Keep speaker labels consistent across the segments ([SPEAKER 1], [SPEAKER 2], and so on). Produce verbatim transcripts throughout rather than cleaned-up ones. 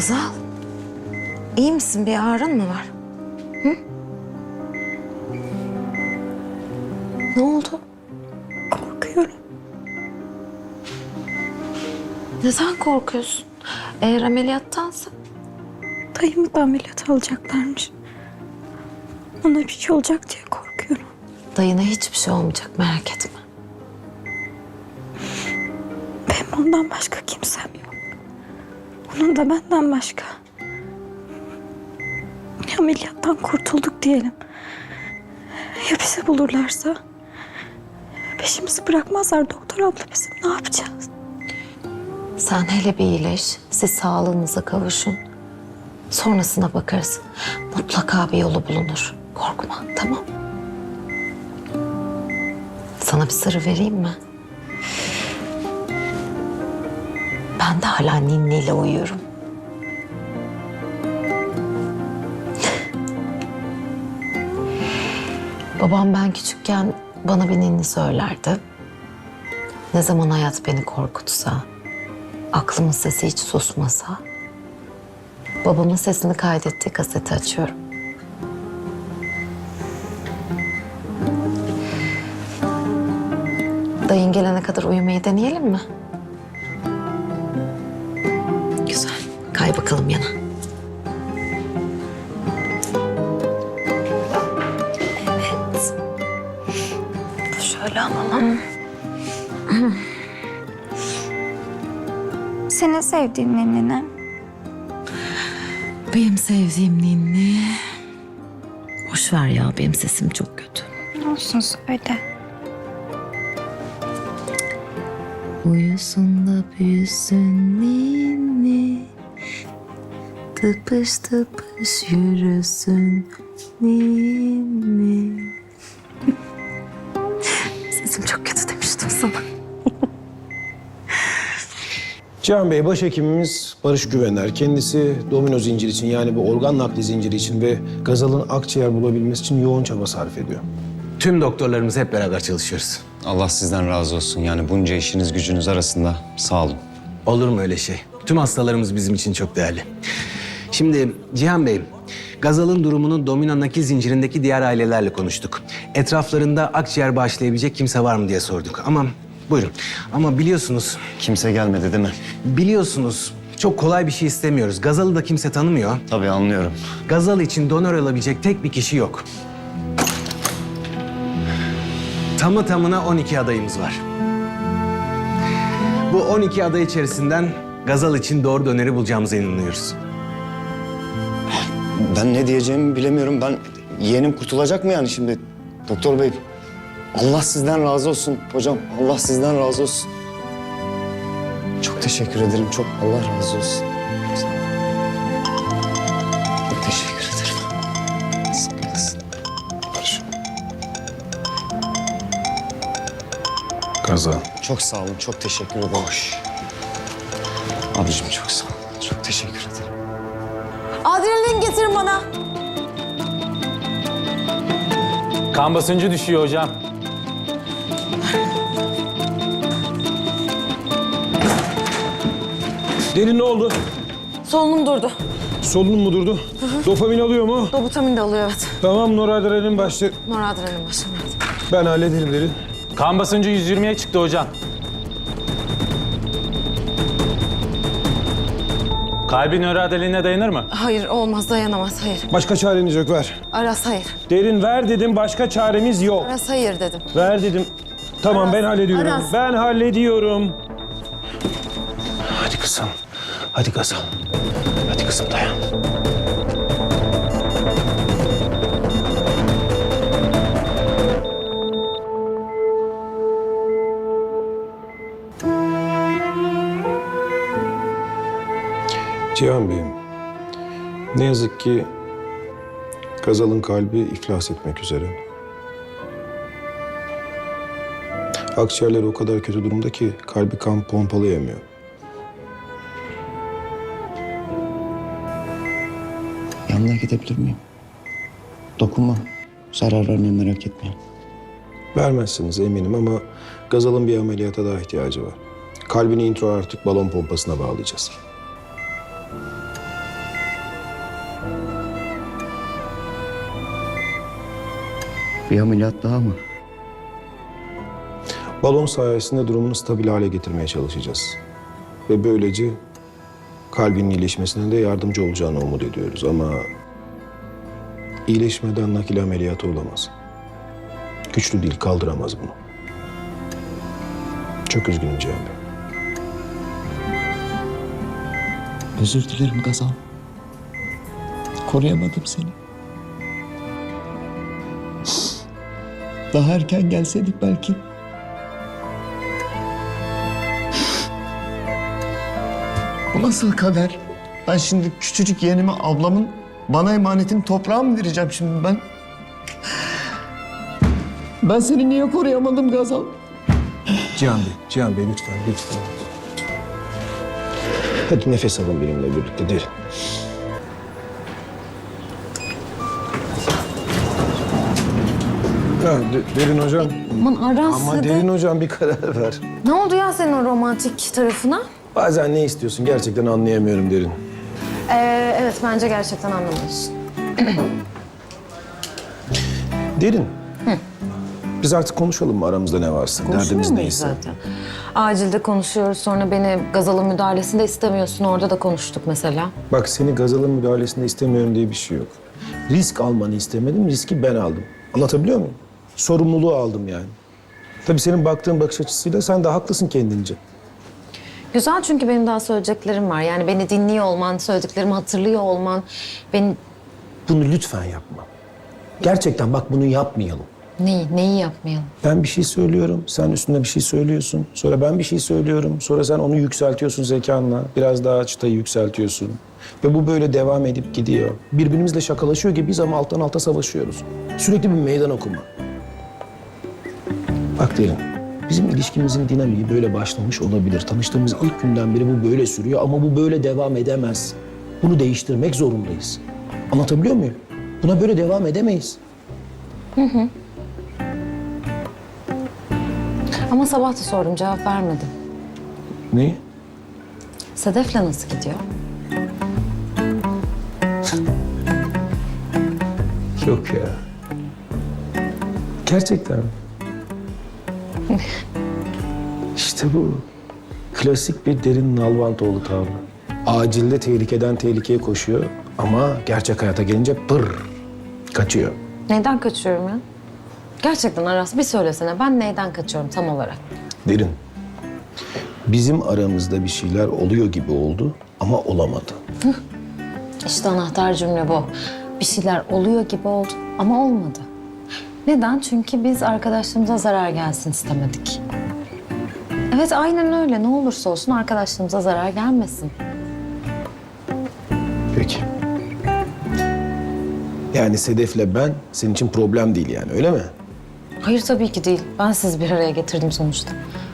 [SPEAKER 1] Gazal, iyi misin? Bir ağrın mı var? Hı? Ne oldu?
[SPEAKER 2] Korkuyorum.
[SPEAKER 1] Neden korkuyorsun? Eğer ameliyattansa?
[SPEAKER 2] Dayımı da ameliyat alacaklarmış. Ona bir şey olacak diye korkuyorum.
[SPEAKER 1] Dayına hiçbir şey olmayacak, merak etme.
[SPEAKER 2] Benim ondan başka kimsem yok. Onun da benden başka. Ameliyattan kurtulduk diyelim. Ya bizi bulurlarsa? Peşimizi bırakmazlar doktor abla, bizim ne yapacağız?
[SPEAKER 1] Sen hele bir iyileş, siz sağlığınıza kavuşun. Sonrasına bakarız. Mutlaka bir yolu bulunur. Korkma, tamam? Sana bir sırrı vereyim mi? Ben de hala ninniyle uyuyorum. Babam ben küçükken bana bir ninni söylerdi. Ne zaman hayat beni korkutsa, aklımın sesi hiç susmasa, babamın sesini kaydettiği kaseti açıyorum. Dayın gelene kadar uyumayı deneyelim mi? Güzel. Kay bakalım yana. Evet.
[SPEAKER 2] Şöyle alalım. Senin sevdiğin ninni ne?
[SPEAKER 1] Benim sevdiğim ninni... Boş ver ya, benim sesim çok kötü.
[SPEAKER 2] Olsun söyle.
[SPEAKER 1] Uyusun da büyüsün ninni, tıpış tıpış yürüsün ninni. Sesim çok kötü demiştim sana.
[SPEAKER 3] Cihan Bey, başhekimimiz Barış Güvener. Kendisi domino zinciri için, yani bu organ nakli zinciri için ve Gazal'ın akciğer bulabilmesi için yoğun çaba sarf ediyor.
[SPEAKER 4] Tüm doktorlarımız hep beraber çalışıyoruz.
[SPEAKER 5] Allah sizden razı olsun. Yani bunca işiniz gücünüz arasında sağ olun.
[SPEAKER 4] Olur mu öyle şey? Tüm hastalarımız bizim için çok değerli. Şimdi Cihan Bey, Gazal'ın durumunu domino nakil zincirindeki diğer ailelerle konuştuk. Etraflarında akciğer bağışlayabilecek kimse var mı diye sorduk. Ama buyurun. Ama biliyorsunuz,
[SPEAKER 5] Kimse gelmedi değil mi?
[SPEAKER 4] biliyorsunuz çok kolay bir şey istemiyoruz. Gazal'ı da kimse tanımıyor.
[SPEAKER 5] Tabii anlıyorum.
[SPEAKER 4] Gazal için donör alabilecek tek bir kişi yok. Tamı tamına on iki adayımız var. Bu on iki aday içerisinden Gazal için doğru döneri bulacağımıza inanıyoruz.
[SPEAKER 5] Ben ne diyeceğimi bilemiyorum. Ben yeğenim kurtulacak mı yani şimdi? Doktor bey, Allah sizden razı olsun hocam. Allah sizden razı olsun. Çok teşekkür ederim. Çok Allah razı olsun. Çok teşekkür ederim. Sağ olasın. Barış.
[SPEAKER 3] Gazal.
[SPEAKER 5] Çok sağ olun. Çok teşekkür ederim. Hoş. Abicim çok sağ olun. Çok teşekkür ederim.
[SPEAKER 1] Adrenalin getirin bana.
[SPEAKER 6] Kan basıncı düşüyor hocam.
[SPEAKER 3] Derin ne oldu?
[SPEAKER 1] Solunum durdu.
[SPEAKER 3] Solunum mu durdu? Dopamin alıyor mu?
[SPEAKER 1] Dobutamin de alıyor, evet.
[SPEAKER 3] Tamam, noradrenalin başlı.
[SPEAKER 1] Noradrenalin başlıyor.
[SPEAKER 3] Ben hallederim Derin.
[SPEAKER 6] Kan basıncı yüz yirmiye çıktı hocam. Kalbin nöroadaline dayanır mı?
[SPEAKER 1] Hayır, olmaz, dayanamaz, hayır.
[SPEAKER 3] Başka çareniz yok, ver.
[SPEAKER 1] Aras, hayır.
[SPEAKER 3] Derin ver dedim, başka çaremiz yok.
[SPEAKER 1] Aras, hayır dedim.
[SPEAKER 3] Ver dedim. Tamam, ben hallediyorum.
[SPEAKER 1] Aras.
[SPEAKER 3] Ben hallediyorum. Hadi kızım. Hadi Gazal. Hadi kızım, dayan. Cihan Bey'im, ne yazık ki Gazal'ın kalbi iflas etmek üzere. Akciğerleri o kadar kötü durumda ki kalbi kan pompalayamıyor.
[SPEAKER 5] Yanına gidebilir miyim? Dokunma. Zarar vermeyin, merak etmeyin.
[SPEAKER 3] Vermezsiniz eminim ama Gazal'ın bir ameliyata daha ihtiyacı var. Kalbini intraortik balon pompasına bağlayacağız.
[SPEAKER 5] Bir ameliyat daha mı?
[SPEAKER 3] Balon sayesinde durumunu stabil hale getirmeye çalışacağız. Ve böylece kalbinin iyileşmesine de yardımcı olacağını umut ediyoruz. Ama iyileşmeden nakil ameliyatı olamaz. Güçlü değil, kaldıramaz bunu. Çok üzgünüm Cihan Bey.
[SPEAKER 7] Özür dilerim Gazal. Koruyamadım seni. Daha erken gelseydik belki.
[SPEAKER 5] Bu nasıl kader? Ben şimdi küçücük yeğenime ablamın bana emanetini toprağa mı vereceğim şimdi ben? Ben seni niye koruyamadım Gazal?
[SPEAKER 3] Cihan Bey, Cihan Bey lütfen, lütfen. Hadi nefes alın benimle birlikte, derin. Ya, de- derin hocam.
[SPEAKER 1] Aman Aras
[SPEAKER 3] Ama
[SPEAKER 1] hadi.
[SPEAKER 3] derin hocam bir karar ver.
[SPEAKER 1] Ne oldu ya senin o romantik tarafına?
[SPEAKER 3] Bazen ne istiyorsun gerçekten anlayamıyorum derin.
[SPEAKER 1] Ee, evet bence gerçekten anlamıyorsun.
[SPEAKER 3] Derin. Biz artık konuşalım mı aramızda ne varsa? Derdimiz neyse.
[SPEAKER 1] zaten? Acilde konuşuyoruz, sonra beni Gazal'ın müdahalesinde istemiyorsun. Orada da konuştuk mesela.
[SPEAKER 3] Bak seni Gazal'ın müdahalesinde istemiyorum diye bir şey yok. Risk almanı istemedim, riski ben aldım. Anlatabiliyor muyum? Sorumluluğu aldım yani. Tabii senin baktığın bakış açısıyla sen de haklısın kendince.
[SPEAKER 1] Güzel çünkü benim daha söyleyeceklerim var. Yani beni dinliyor olman, söylediklerimi hatırlıyor olman, beni...
[SPEAKER 3] Bunu lütfen yapma. Gerçekten bak bunu yapmayalım.
[SPEAKER 1] Neyi, neyi yapmayalım?
[SPEAKER 3] Ben bir şey söylüyorum, sen üstüne bir şey söylüyorsun. Sonra ben bir şey söylüyorum, sonra sen onu yükseltiyorsun zekanla. Biraz daha çıtayı yükseltiyorsun. Ve bu böyle devam edip gidiyor. Birbirimizle şakalaşıyor gibiyiz ama alttan alta savaşıyoruz. Sürekli bir meydan okuma. Bak derin, bizim ilişkimizin dinamiği böyle başlamış olabilir. Tanıştığımız ilk günden beri bu böyle sürüyor ama bu böyle devam edemez. Bunu değiştirmek zorundayız. Anlatabiliyor muyum? Buna böyle devam edemeyiz.
[SPEAKER 1] Ama sabah da sordum, cevap vermedin.
[SPEAKER 3] Neyi?
[SPEAKER 1] Sedef'le nasıl gidiyor?
[SPEAKER 3] Yok ya. Gerçekten. İşte bu. Klasik bir derin Nalbantoğlu tavrı. Acilde tehlikeden tehlikeye koşuyor ama gerçek hayata gelince pır kaçıyor.
[SPEAKER 1] Neyden kaçıyorum ya? Gerçekten Aras bir söylesene, ben neyden kaçıyorum tam olarak?
[SPEAKER 3] Derin. Bizim aramızda bir şeyler oluyor gibi oldu ama olamadı.
[SPEAKER 1] İşte anahtar cümle bu. Bir şeyler oluyor gibi oldu ama olmadı. Neden? Çünkü biz arkadaşlığımıza zarar gelsin istemedik. Evet aynen öyle. Ne olursa olsun arkadaşlığımıza zarar gelmesin.
[SPEAKER 3] Peki. Yani Sedef'le ben senin için problem değil yani öyle mi?
[SPEAKER 1] Hayır tabii ki değil. Ben sizi bir araya getirdim sonuçta.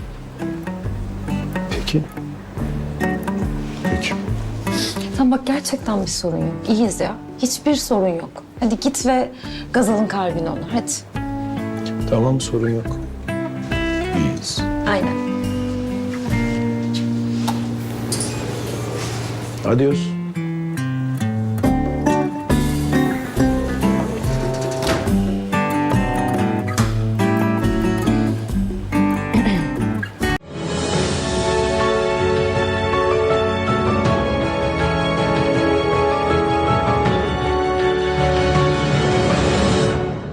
[SPEAKER 3] Peki. Peki.
[SPEAKER 1] Tamam bak gerçekten bir sorun yok. İyiyiz ya. Hiçbir sorun yok. Hadi git ve Gazal'ın kalbini onur. Hadi.
[SPEAKER 3] Tamam sorun yok. İyiyiz.
[SPEAKER 1] Aynen.
[SPEAKER 3] Adios.